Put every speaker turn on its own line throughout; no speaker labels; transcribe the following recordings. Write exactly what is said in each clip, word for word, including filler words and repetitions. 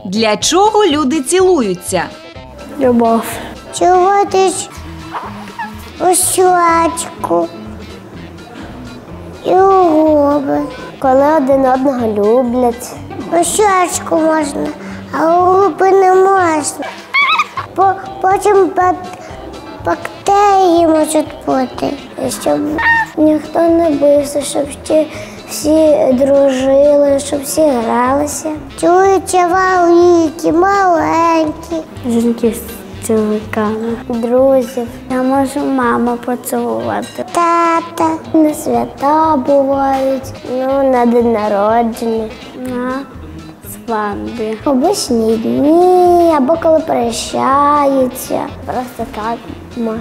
Для чого люди цілуються?
Любов.
Цілуватись у щочку і у губи.
Коли один одного люблять.
У щочку можна, а у губи не можна. По, потім бактерії можуть бути, щоб ніхто не бився, щоб всі, всі дружили, щоб всі гралися. Цілуються великі, маленькі.
Жінки з цілунками. Друзів. Я можу маму поцілувати.
Тата.
На свята бувають, ну, на день народження, на свадьбі. Обичні дні, або коли прощаються. Просто так можна.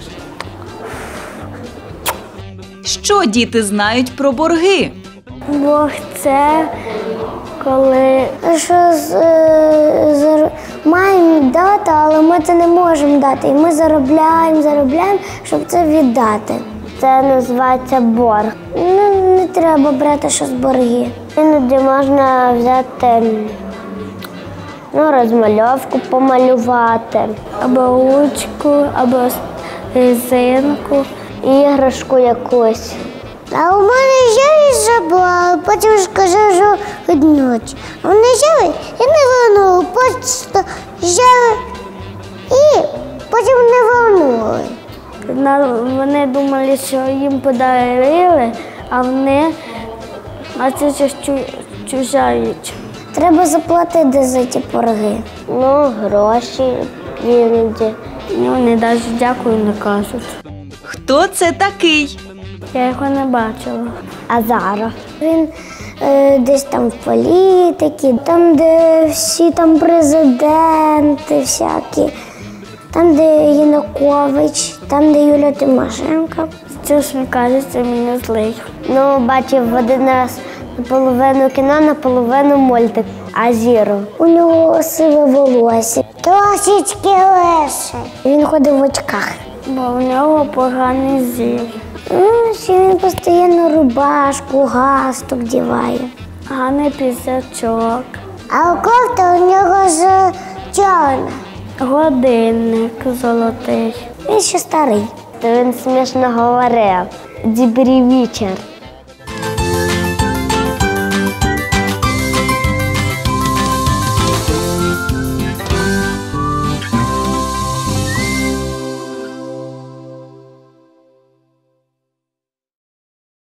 Що діти знають про борги?
Бог – це коли
Що з, з, маємо дати, але ми це не можемо дати. І ми заробляємо, заробляємо, щоб це віддати.
це називається борг.
Ну, не треба брати щось борги.
Іноді можна взяти, ну, розмальовку помалювати, або ручку, або резинку, іграшку якусь.
А у мене взяли забрали, потім сказали, що відночі. А вони взяли і не вернули, просто взяли і потім не вернули.
Вони думали, що їм подарили, а вони, а це щось чужа річ.
Треба заплатити за ті борги.
Ну, гроші іноді. Ну, вони навіть дякую не кажуть.
Хто це такий?
Я його не бачила.
Азаров. Він е, десь там в політиці, там, де всі там президенти всякі, там, де Янукович, там, де Юлія Тимошенко.
Це ж, мені кажеться, мені злий. Ну, бачив один раз наполовину кіно, наполовину мультик Азіру.
У нього сиве волосся, трошечки лише. Він ходив в очках.
Бо в нього поганий зір.
Ну, ще він постійно рубашку, галстук діває.
Гарний пісячок.
А кофта у нього з чорна.
Годинник золотий.
Він ще старий.
То він смішно говорив. Добрий вечір.